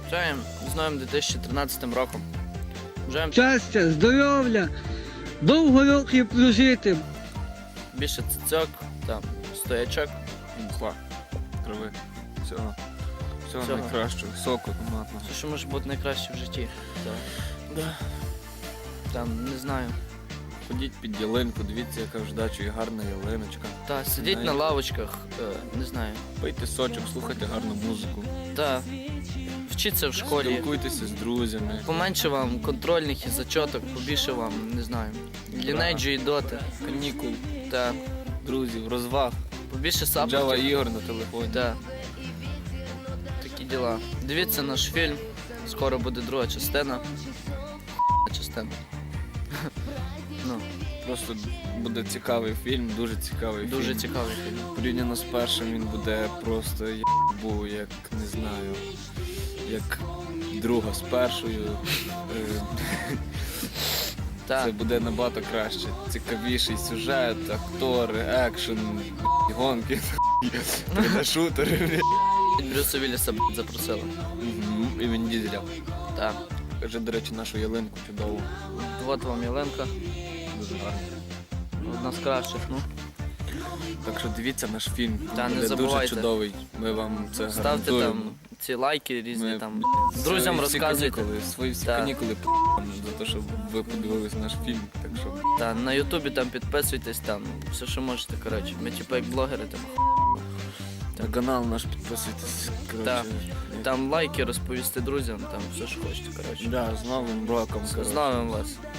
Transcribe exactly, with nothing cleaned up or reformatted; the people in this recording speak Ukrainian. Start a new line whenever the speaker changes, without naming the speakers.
Бажаємо з новим дві тисячі тринадцятим роком. Бажаємо
Щастя, здоров'я, довго років прожити.
більше цицьок, там, стоячок.
Мхла, трави, всього. Всього,
Всього.
найкращого, соку томатного.
Все, що може бути найкраще в житті. Да. Там, не знаю.
Ходіть під ялинку, дивіться, яка в ждачу і гарна ялиночка.
Та, сидіть на
Знаєте.
лавочках, е, не знаю.
Пийте сочок, слухайте гарну музику.
Та, вчіться в школі.
Спілкуйтеся з друзями.
Поменше вам контрольних і зачоток, побільше вам, не знаю, лінейджу і доти.
Канікул,
Та,
друзів, розваг.
побільше
Джава
саппортів.
ігор на телефоні.
Да. Такі діла. Дивіться наш фільм. Скоро буде друга частина. Частина. Ну,
Просто буде цікавий фільм, дуже цікавий
дуже
фільм.
цікавий фільм.
Порівняно з першим він буде просто був, як не знаю, як друга з першою. Е,
Так,
Це буде набагато краще. Цікавіший сюжет, актори, екшен, гонки, шутери.
Брюса Вілліса б, запросили.
Мгм. І він Дізеля.
Так.
Каже, до речі, нашу ялинку чудову.
От вам Єленка.
Дуже гарно.
Одна з кращих, ну.
Так що дивіться наш фільм. Він
Та, не
буде
забувайте.
дуже чудовий. Ми вам це
Ставте
гарантуємо.
там ці лайки різні
Ми
там.
свої
Друзям
всі
розказуйте.
канікули, свої всі
Так.
канікули п***, за те, що ви подивились наш фільм. Так що
Та, на Ютубі там підписуйтесь, там все, що можете, коротше. Ми типу як блогери, там.
на канал наш підписуйтесь. Коротше,
Так. Там лайки розповісти друзям, там все, що хочете, коротше.
Да, з Новим роком.
З
коротше.
новим вас.